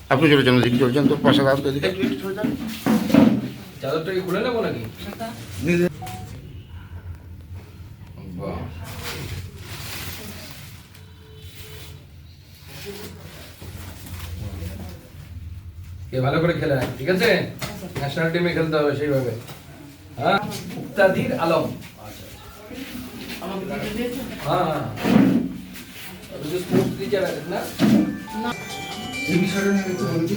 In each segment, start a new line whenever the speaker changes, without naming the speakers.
আপনি চলে যান, দিকে চলে যান, তো পাশে রাস্তা দিকে
চাদরটা কি খুলে নেবো নাকি? বাহ, কে ভালো করে খেলে নেয়, ঠিক আছে? ন্যাশনাল টিমে খেলতে হবে সেইভাবে। হ্যাঁ, মুক্তাদির আলম। হ্যাঁ, তুমি স্পোর্টস টিচার আছেন না? এই বিষয়টা নিয়ে একটু বলুন।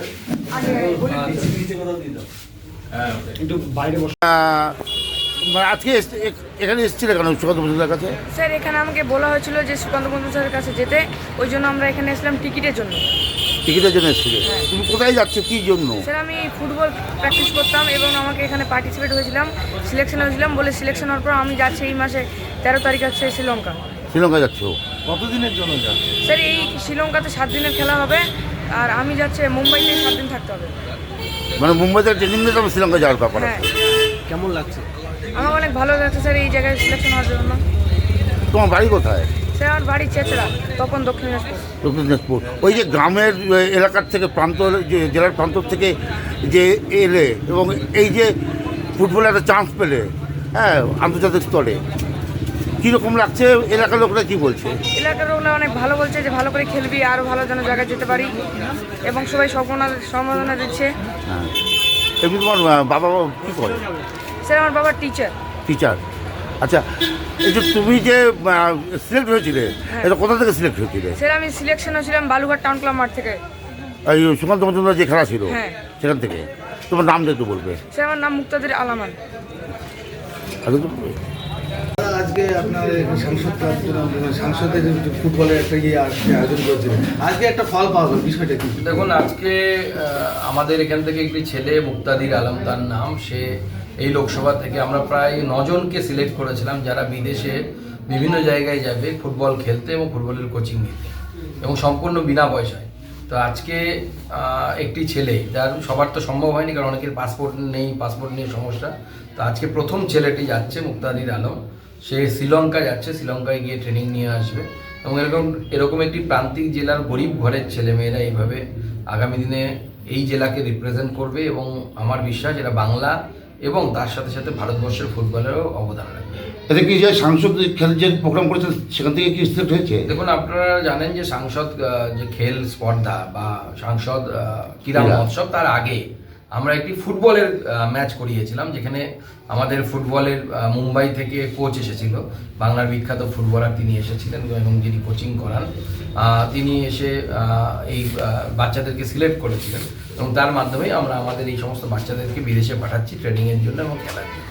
একটু বাইরে বসে।
মানে আজকে এখানে এসেছিলে কেন সুকান্ত মজুমদার কাছে?
স্যার এখানে আমাকে বলা হয়েছিল যে সুকান্ত মজুমদারের কাছে যেতে, ওই জন্য আমরা এখানে এসলাম টিকিটের জন্য।
টিকিটের জন্য এসেছিলে? তুমি কোথায় যাচ্ছ, কী জন্য?
স্যার আমি ফুটবল প্র্যাকটিস করতাম এবং আমাকে এখানে পার্টিসিপেট হয়েছিলাম, সিলেকশন হয়েছিলাম, বলে সিলেকশন হওয়ার পর আমি যাচ্ছি এই মাসে 13 তারিখ আছে শ্রীলঙ্কা।
শ্রীলঙ্কা যাচ্ছ?
কতদিনের জন্য যাচ্ছে?
স্যার এই শ্রীলঙ্কাতে 7 দিনের খেলা হবে, আর আমি যাচ্ছি মুম্বাইতে 7 দিন থাকতে হবে।
মানে মুম্বাইতে ট্রেনিং নিয়ে তবে শ্রীলঙ্কা যাওয়ার ব্যাপার
হ্যাঁ,
আছে।
কেমন লাগছে?
আমার অনেক ভালো লাগছে স্যার এই জায়গায় সিলেকশন হওয়ার জন্য।
তোমার বাড়ি কোথায়?
স্যার আমার বাড়ি চেচড়া, তখন দক্ষিণ দিনাজপুর।
দক্ষিণ দিনাজপুর। ওই যে গ্রামের এলাকার থেকে প্রান্ত, যে জেলার প্রান্ত থেকে যে এলে এবং এই যে ফুটবলে একটা চান্স পেলে, হ্যাঁ, আন্তর্জাতিক স্তরে, কীরকম লাগছে? এলাকার লোকরা কী বলছে?
এলাকার লোকরা অনেক ভালো বলছে যে ভালো করে খেলবি, আরও ভালো যেন জায়গায় যেতে পারি, এবং সবাই সম্মাননা দিচ্ছে।
হ্যাঁ, এমনি তোমার বাবা কী করে?
স্যার আমার বাবা টিচার।
টিচার। আচ্ছা, এই যে তুমি যে সিলেক্ট হয়েছিলে, এটা কোথা থেকে সিলেক্ট হয়েছিলে?
স্যার আমি সিলেকশন হয়েছিলাম বালুঘাট টাউন ক্লাব মাঠ থেকে।
এই সুকান্ত মজুমদার যে খেলা ছিল,
হ্যাঁ।
সেখান থেকে। তোমার নামটা একটু বলবে?
স্যার আমার নাম মুক্তাদির আলামান।
আগে তো
আজকে আপনার সাংসদের ফুটবলের একটা আয়োজন করেছিলেন, আজকে একটা ফল পাওয়া গেল, বিষয়টা কি?
দেখুন, আজকে আমাদের এখান থেকে একটি ছেলে মুক্তাদির আলম তার নাম, সে এই লোকসভা থেকে আমরা প্রায় 9 জনকে সিলেক্ট করেছিলাম যারা বিদেশে বিভিন্ন জায়গায় যাবে ফুটবল খেলতে এবং ফুটবলের কোচিং নিতে, এবং সম্পূর্ণ বিনা পয়সায়। তো আজকে একটি ছেলে, যার সবার তো সম্ভব হয়নি কারণ অনেকের পাসপোর্ট নেই, পাসপোর্ট নিয়ে সমস্যা। তো আজকে প্রথম ছেলেটি যাচ্ছে, মুক্তাদির আলম, সে শ্রীলঙ্কা যাচ্ছে, শ্রীলঙ্কায় গিয়ে ট্রেনিং নিয়ে আসবে। এবং এরকম একটি প্রান্তিক জেলার গরিব ঘরের ছেলেমেয়েরা এইভাবে আগামী দিনে এই জেলাকে রিপ্রেজেন্ট করবে, এবং আমার বিশ্বাস এরা বাংলা এবং তার সাথে সাথে ভারতবর্ষের ফুটবলেরও অবদান রাখবে।
এটা কি যে সাংসদ খেল যে প্রোগ্রাম করেছে সেখান থেকে কি সিলেক্ট হয়েছে?
দেখুন, আপনারা জানেন যে সাংসদ যে খেল স্পর্ধা বা সাংসদ ক্রীড়া মহোৎসব, তার আগে আমরা একটি ফুটবলের ম্যাচ করিয়েছিলাম, যেখানে আমাদের ফুটবলের মুম্বাই থেকে কোচ এসেছিল, বাংলার বিখ্যাত ফুটবলার তিনি এসেছিলেন, এবং যিনি কোচিং করান তিনি এসে এই বাচ্চাদেরকে সিলেক্ট করেছিলেন, এবং তার মাধ্যমে আমরা আমাদের এই সমস্ত বাচ্চাদেরকে বিদেশে পাঠাচ্ছি ট্রেনিংয়ের জন্য এবং খেলার জন্য।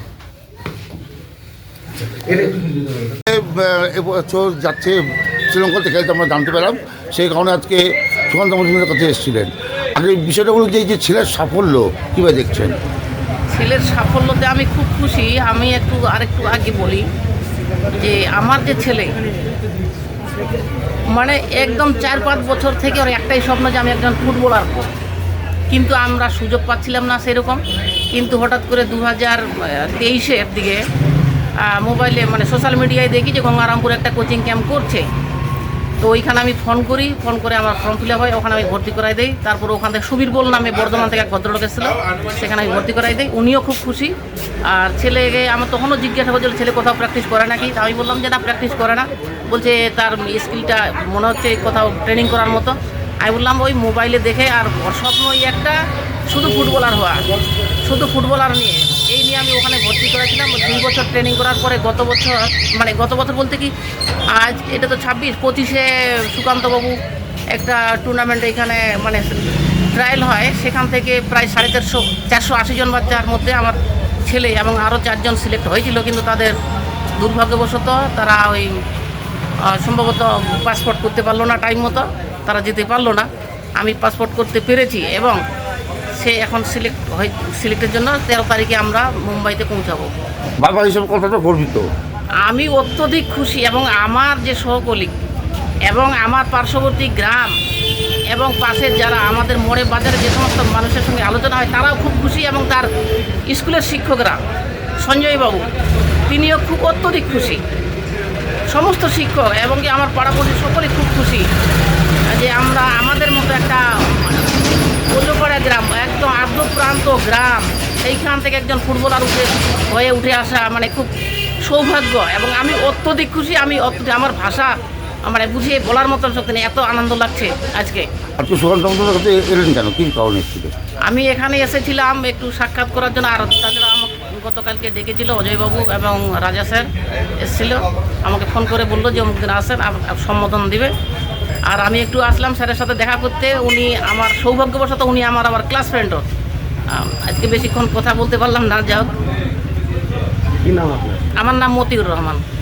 এবছর যাচ্ছে শ্রীলঙ্কা থেকে, আমরা জানতে পেলাম, সেই কারণে আজকে সুকান্ত মজুমদারের কাছে এসেছিলেন। আর এই বিষয়টা বলুন যে এই যে ছেলের সাফল্য কীভাবে দেখছেন?
ছেলের সাফল্যতে আমি খুব খুশি। আমি আরেকটু আগে বলি যে আমার যে ছেলে, মানে একদম 4-5 বছর থেকে ওর একটাই স্বপ্ন যে আমি একজন ফুটবলার হব, কিন্তু আমরা সুযোগ পাচ্ছিলাম না সেরকম। কিন্তু হঠাৎ করে 2023-এর দিকে মোবাইলে মানে সোশ্যাল মিডিয়ায় দেখি যে গঙ্গারামপুর একটা কোচিং ক্যাম্প করছে। তো ওইখানে আমি ফোন করে আমার ফর্ম ফিল আপ হয়, ওখানে আমি ভর্তি করাই দিই। তারপর ওখান থেকে সুবীর বল নামে বর্ধমান থেকে এক ভদ্রলোক এসেছিল, সেখানে আমি ভর্তি করাই দিই, উনিও খুব খুশি। আর ছেলেকে আমার তখনও জিজ্ঞাসা করছিল ছেলে কোথাও প্র্যাকটিস করে নাকি, তা আমি বললাম যে না, প্র্যাকটিস করে না। বলছে তার স্কিলটা মনে হচ্ছে কোথাও ট্রেনিং করার মতো। আমি বললাম ওই মোবাইলে দেখে, আর স্বপ্ন ওই একটা শুধু ফুটবলার হওয়া, শুধু ফুটবলার নিয়ে, এই নিয়ে আমি ওখানে ভর্তি করেছিলাম। 2 বছর ট্রেনিং করার পরে গত বছর বলতে কি আজ এটা তো 26-25-এ সুকান্তবাবু একটা টুর্নামেন্ট এখানে মানে ট্রায়াল হয়, সেখান থেকে প্রায় 480 জন বাচ্চার মধ্যে আমার ছেলে এবং আরও 4 জন সিলেক্ট হয়েছিল, কিন্তু তাদের দুর্ভাগ্যবশত তারা ওই সম্ভবত পাসপোর্ট করতে পারলো না তারা যেতে পারলো না। আমি পাসপোর্ট করতে পেরেছি এবং সে এখন সিলেক্টের জন্য 13 তারিখে আমরা মুম্বাইতে পৌঁছাবো।
বাবা হিসেবে কতটা গর্বিত?
আমি অত্যধিক খুশি, এবং আমার যে সহকলিগ এবং আমার পার্শ্ববর্তী গ্রাম এবং পাশের যারা আমাদের মোড়ে বাজারে যে সমস্ত মানুষের সঙ্গে আলোচনা হয় তারাও খুব খুশি, এবং তার স্কুলের শিক্ষকরা সঞ্জয় বাবু তিনিও খুব অত্যধিক খুশি। সমস্ত শিক্ষক এবং কি আমার পাড়াপড়শি সকলেই খুব খুশি যে আমরা আমাদের মতো একটা প্রত্যন্ত গ্রাম সেইখান থেকে একজন ফুটবলার হয়ে উঠে আসা মানে খুব সৌভাগ্য, এবং আমি অত্যধিক খুশি। আমি আমার ভাষা মানে বুঝিয়ে বলার মতন শক্তি নেই, এত আনন্দ লাগছে আজকে।
আপনি সুকান্ত মজুমদারের কাছে এলেন কেন, কী কারণে এসেছিলেন?
আমি এখানে এসেছিলাম একটু সাক্ষাৎ করার জন্য, আর তাছাড়া আমাকে গতকালকে ডেকেছিল অজয়বাবু এবং রাজা স্যার এসেছিল, আমাকে ফোন করে বললো যে অমুক দিন আসেন, সম্বোধন দিবে। আর আমি একটু আসলাম স্যারের সাথে দেখা করতে। উনি আমার সৌভাগ্যবশত উনি আমার আবার ক্লাস ফ্রেন্ডও। আজকে বেশিক্ষণ কথা বলতে পারলাম না, যাই হোক।
কি নাম আপনার?
আমার নাম মতিউর রহমান।